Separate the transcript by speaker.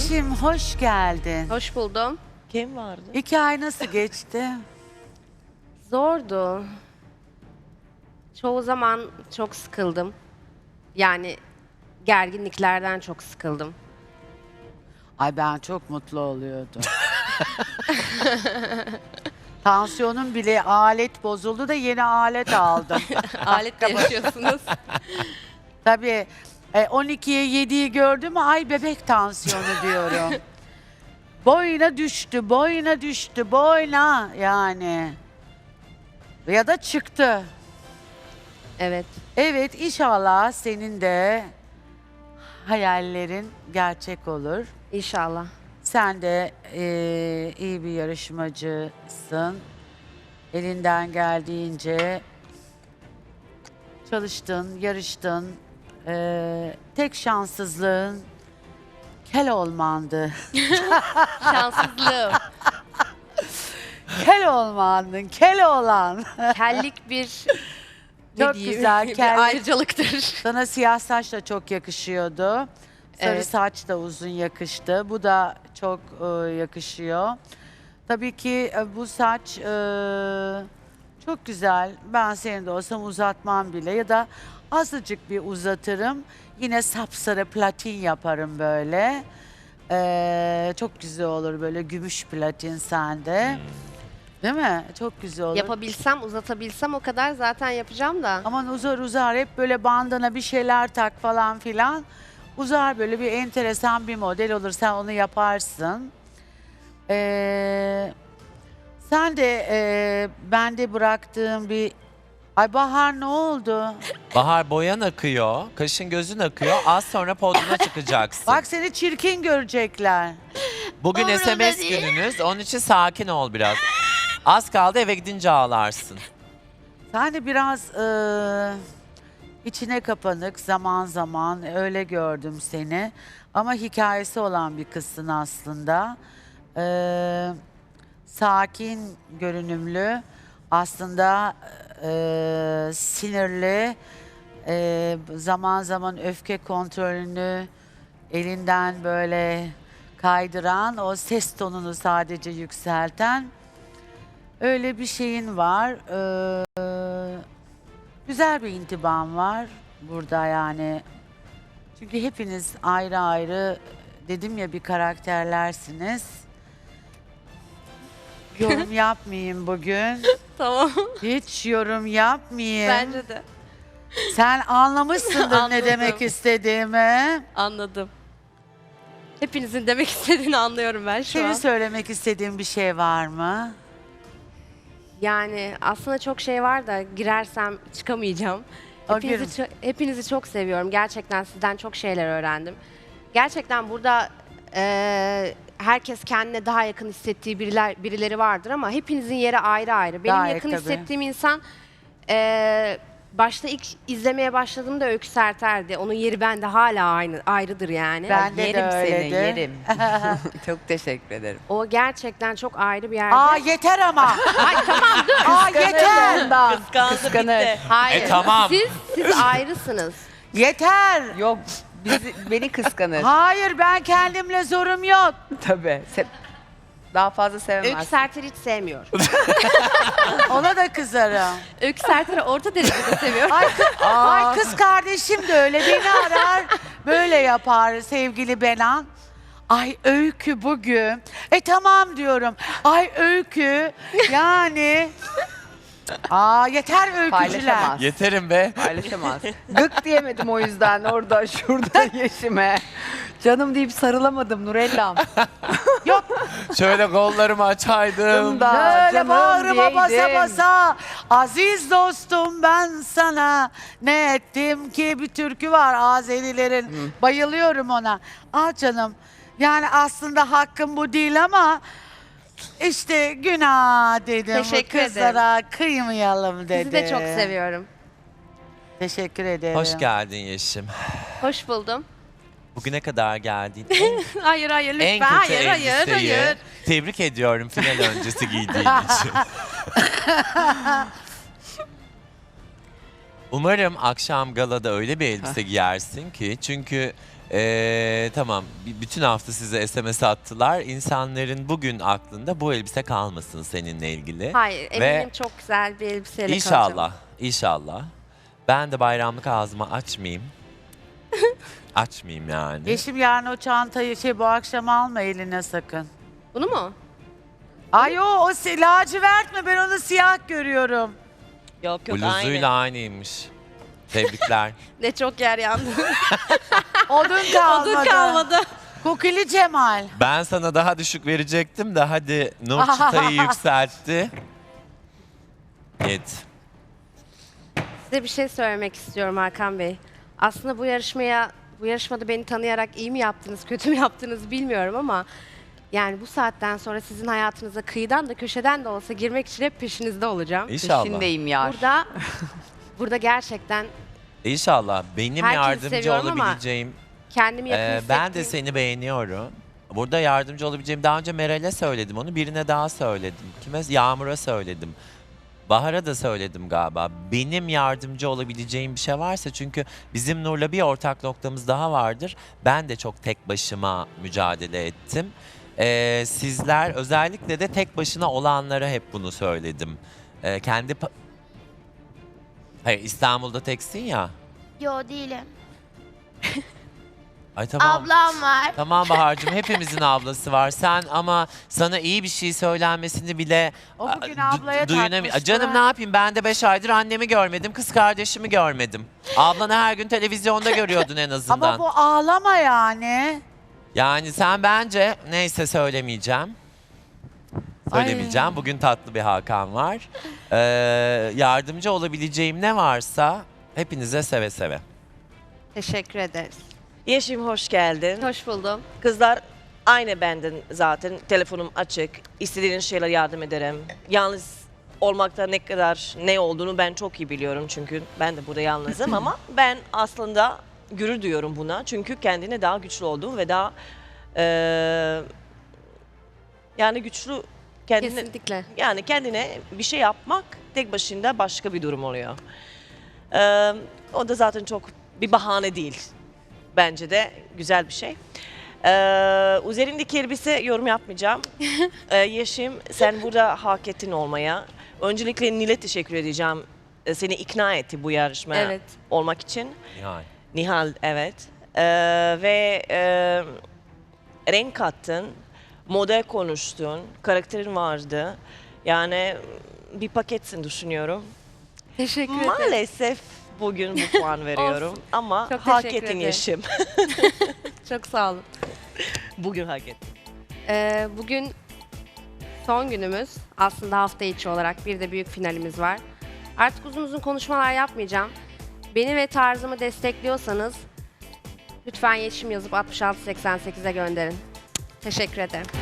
Speaker 1: Yeşim hoş geldin.
Speaker 2: Hoş buldum.
Speaker 3: Kim vardı?
Speaker 1: 2 ay nasıl geçti?
Speaker 2: Zordu. Çoğu zaman çok sıkıldım. Yani gerginliklerden çok sıkıldım.
Speaker 1: Ay ben çok mutlu oluyordum. Tansiyonum bile alet bozuldu da yeni alet aldım.
Speaker 2: Aletle yaşıyorsunuz.
Speaker 1: Tabii 12'ye 7'yi gördüm mü ay bebek tansiyonu diyorum. Boyuna düştü, boyuna düştü, boyuna yani. Ya da çıktı.
Speaker 2: Evet.
Speaker 1: Evet inşallah senin de hayallerin gerçek olur.
Speaker 2: İnşallah.
Speaker 1: Sen de iyi bir yarışmacısın. Elinden geldiğince çalıştın, yarıştın. Tek şanssızlığın kel olmandı.
Speaker 2: Şanssızlığım.
Speaker 1: Kel olmandın, kel olan.
Speaker 2: Kellik bir
Speaker 1: Çok güzel,
Speaker 2: bir
Speaker 1: kellik.
Speaker 2: ayrıcalıktır.
Speaker 1: Sana siyah saç da çok yakışıyordu. Sarı
Speaker 2: Evet.
Speaker 1: saç da uzun yakıştı. Bu da çok yakışıyor. Tabii ki bu saç çok güzel. Ben senin de olsam uzatmam bile ya da azıcık bir uzatırım. Yine sapsarı platin yaparım böyle. Çok güzel olur böyle gümüş platin sende. Değil mi? Çok güzel olur.
Speaker 2: Yapabilsem, uzatabilsem o kadar zaten yapacağım da.
Speaker 1: Aman uzar uzar hep böyle bandana bir şeyler tak falan filan. Uzar böyle bir enteresan bir model olur. Sen onu yaparsın. Sen de bende bıraktığım bir... Ay Bahar ne oldu?
Speaker 4: Bahar boyan akıyor, kaşın gözün akıyor. Az sonra podyuma çıkacaksın.
Speaker 1: Bak seni çirkin görecekler.
Speaker 4: Bugün
Speaker 2: umurumda
Speaker 4: SMS
Speaker 2: değil.
Speaker 4: gününüz. Onun için sakin ol biraz. Az kaldı eve gidince ağlarsın.
Speaker 1: Sen de biraz içine kapanık zaman zaman öyle gördüm seni. Ama hikayesi olan bir kızsın aslında. Sakin görünümlü, aslında sinirli, zaman zaman öfke kontrolünü elinden böyle kaydıran, o ses tonunu sadece yükselten öyle bir şeyin var. Güzel bir intiban var burada yani. Çünkü hepiniz ayrı ayrı dedim ya bir karakterlersiniz. Yorum yapmayayım bugün.
Speaker 2: Tamam.
Speaker 1: Hiç yorum yapmayayım.
Speaker 2: Bence de.
Speaker 1: Sen anlamışsındır ne
Speaker 2: Anladım.
Speaker 1: demek istediğimi.
Speaker 2: Anladım. Hepinizin demek istediğini anlıyorum ben şu
Speaker 1: Senin
Speaker 2: an.
Speaker 1: söylemek istediğin bir şey var mı?
Speaker 2: Yani aslında çok şey var da girersem çıkamayacağım.
Speaker 1: O
Speaker 2: Hepinizi çok seviyorum. Gerçekten sizden çok şeyler öğrendim. Gerçekten burada herkes kendine daha yakın hissettiği birileri vardır ama hepinizin yeri ayrı ayrı. Benim
Speaker 1: Gayet
Speaker 2: yakın
Speaker 1: tabii.
Speaker 2: hissettiğim insan başta ilk izlemeye başladığımda Öykü Serter'di. Onun yeri bende hala ayrıdır yani.
Speaker 1: Bende de
Speaker 3: Yerim seni,
Speaker 1: öyledir.
Speaker 3: yerim. Çok teşekkür ederim.
Speaker 2: O gerçekten çok ayrı bir yerde.
Speaker 1: Aa yeter ama.
Speaker 2: Ay tamam dur.
Speaker 1: Aa yeter.
Speaker 3: Kıskanır.
Speaker 2: Hayır.
Speaker 4: Tamam.
Speaker 2: Siz ayrısınız.
Speaker 1: Yeter.
Speaker 3: Yok, beni kıskanır.
Speaker 1: Hayır ben kendimle zorum yok.
Speaker 3: Tabii. Daha fazla
Speaker 2: Öykü
Speaker 3: sevemezsin.
Speaker 2: Serter'i hiç sevmiyor.
Speaker 1: Ona da kızarım.
Speaker 2: Öykü Serter'i orta derecede seviyor.
Speaker 1: Ay kız kardeşim de öyle beni arar. Böyle yapar sevgili Benan. Ay Öykü bugün. Tamam diyorum. Ay Öykü yani. Aa yeter öykücüler.
Speaker 3: Paylaşamaz.
Speaker 4: Yeterim be.
Speaker 3: Paylaşamaz. Gık diyemedim o yüzden orada şurada Yeşim'e. Canım deyip sarılamadım Nurellam.
Speaker 1: Yok
Speaker 4: Şöyle kollarımı açaydım.
Speaker 3: Da,
Speaker 1: böyle
Speaker 3: canım
Speaker 1: bağrıma basa
Speaker 3: diyeydim.
Speaker 1: basa. Aziz dostum ben sana ne ettim ki bir türkü var Azerilerin. Bayılıyorum ona. Al canım. Yani aslında hakkım bu değil ama işte günah dedim. Bu
Speaker 2: Teşekkür
Speaker 1: kızlara kıymayalım dedim.
Speaker 2: Sizi de çok seviyorum.
Speaker 1: Teşekkür ederim.
Speaker 4: Hoş geldin Yeşim.
Speaker 2: Hoş buldum.
Speaker 4: Bugüne kadar geldin.
Speaker 2: Hayır hayır
Speaker 4: En
Speaker 2: lütfen.
Speaker 4: kötü
Speaker 2: Hayır
Speaker 4: elbiseyi tebrik ediyorum final öncesi giydiğin için. Umarım akşam galada öyle bir elbise giyersin ki çünkü tamam bütün hafta size SMS attılar. İnsanların bugün aklında bu elbise kalmasın seninle ilgili.
Speaker 2: Hayır,
Speaker 4: Ve
Speaker 2: eminim çok güzel bir elbiseyle kalacağım.
Speaker 4: İnşallah, inşallah. Ben de bayramlık ağzımı açmayayım. Açmayayım yani.
Speaker 1: Yeşim yarın o çantayı bu akşam alma eline sakın.
Speaker 2: Bunu mu?
Speaker 1: Ay o lacivert mi? Ben onu siyah görüyorum.
Speaker 5: Yok yok
Speaker 4: Bluzuyla aynıymış. Tebrikler.
Speaker 2: Ne çok yer yandı.
Speaker 1: Odun kalmadı.
Speaker 2: Odun kalmadı.
Speaker 1: Kokili Cemal.
Speaker 4: Ben sana daha düşük verecektim de hadi Nur çıtayı yükseltti. Git.
Speaker 2: Size bir şey söylemek istiyorum Hakan Bey. Aslında bu yarışmada beni tanıyarak iyi mi yaptınız, kötü mü yaptınız bilmiyorum ama yani bu saatten sonra sizin hayatınıza kıyıdan da köşeden de olsa girmek için hep peşinizde olacağım.
Speaker 4: İnşallah.
Speaker 3: Peşindeyim yar.
Speaker 2: Burada gerçekten
Speaker 4: İnşallah benim
Speaker 2: Herkesi
Speaker 4: yardımcı
Speaker 2: seviyorum ama
Speaker 4: olabileceğim.
Speaker 2: kendimi yakın hissettiğim...
Speaker 4: Ben de seni beğeniyorum. Burada yardımcı olabileceğim. Daha önce Meral'e söyledim onu. Birine daha söyledim. Kime? Yağmur'a söyledim. Bahar'a da söyledim galiba. Benim yardımcı olabileceğim bir şey varsa çünkü bizim Nur'la bir ortak noktamız daha vardır. Ben de çok tek başıma mücadele ettim. Sizler özellikle de tek başına olanlara hep bunu söyledim. Hayır İstanbul'da teksin ya.
Speaker 6: Yo değilim.
Speaker 4: Ay tamam.
Speaker 6: Ablam var.
Speaker 4: Tamam Bahar'cığım hepimizin ablası var. Sen ama sana iyi bir şey söylenmesini bile
Speaker 1: O bugün ablaya takmıştı.
Speaker 4: Canım ne yapayım ben de 5 aydır annemi görmedim, kız kardeşimi görmedim. Ablanı her gün televizyonda görüyordun en azından.
Speaker 1: Ama bu ağlama yani.
Speaker 4: Yani sen bence neyse söylemeyeceğim. Söylemeyeceğim. Bugün tatlı bir Hakan var. Yardımcı olabileceğim ne varsa hepinize seve seve.
Speaker 2: Teşekkür ederiz.
Speaker 5: Yeşim hoş geldin.
Speaker 2: Hoş buldum.
Speaker 5: Kızlar aynı benden zaten. Telefonum açık. İstediğiniz şeyler yardım ederim. Yalnız olmakta ne olduğunu ben çok iyi biliyorum çünkü ben de burada yalnızım ama ben aslında gurur duyuyorum buna. Çünkü kendine daha güçlü oldum ve daha yani güçlü kendine
Speaker 2: Kesinlikle.
Speaker 5: yani kendine bir şey yapmak tek başına başka bir durum oluyor. O da zaten çok bir bahane değil. Bence de güzel bir şey. Üzerindeki elbise yorum yapmayacağım. Yeşim sen burada hak ettin olmaya. Öncelikle Nil'e teşekkür edeceğim. Seni ikna etti bu yarışmaya
Speaker 2: Evet.
Speaker 5: olmak için.
Speaker 4: Yani.
Speaker 5: Nihal evet. Ve renk kattın. Moda konuştun. Karakterin vardı. Yani bir paketsin düşünüyorum.
Speaker 2: Teşekkür ederim.
Speaker 5: Maalesef bugün bu puan veriyorum.
Speaker 2: Olsun.
Speaker 5: Ama
Speaker 2: Çok
Speaker 5: hak
Speaker 2: teşekkür
Speaker 5: ettin
Speaker 2: ederim.
Speaker 5: Yeşim.
Speaker 2: Çok sağ olun.
Speaker 5: Bugün hak ettin.
Speaker 2: Bugün son günümüz. Aslında hafta içi olarak bir de büyük finalimiz var. Artık uzun uzun konuşmalar yapmayacağım. Beni ve tarzımı destekliyorsanız lütfen Yeşim yazıp 6688'e gönderin. Teşekkür ederim.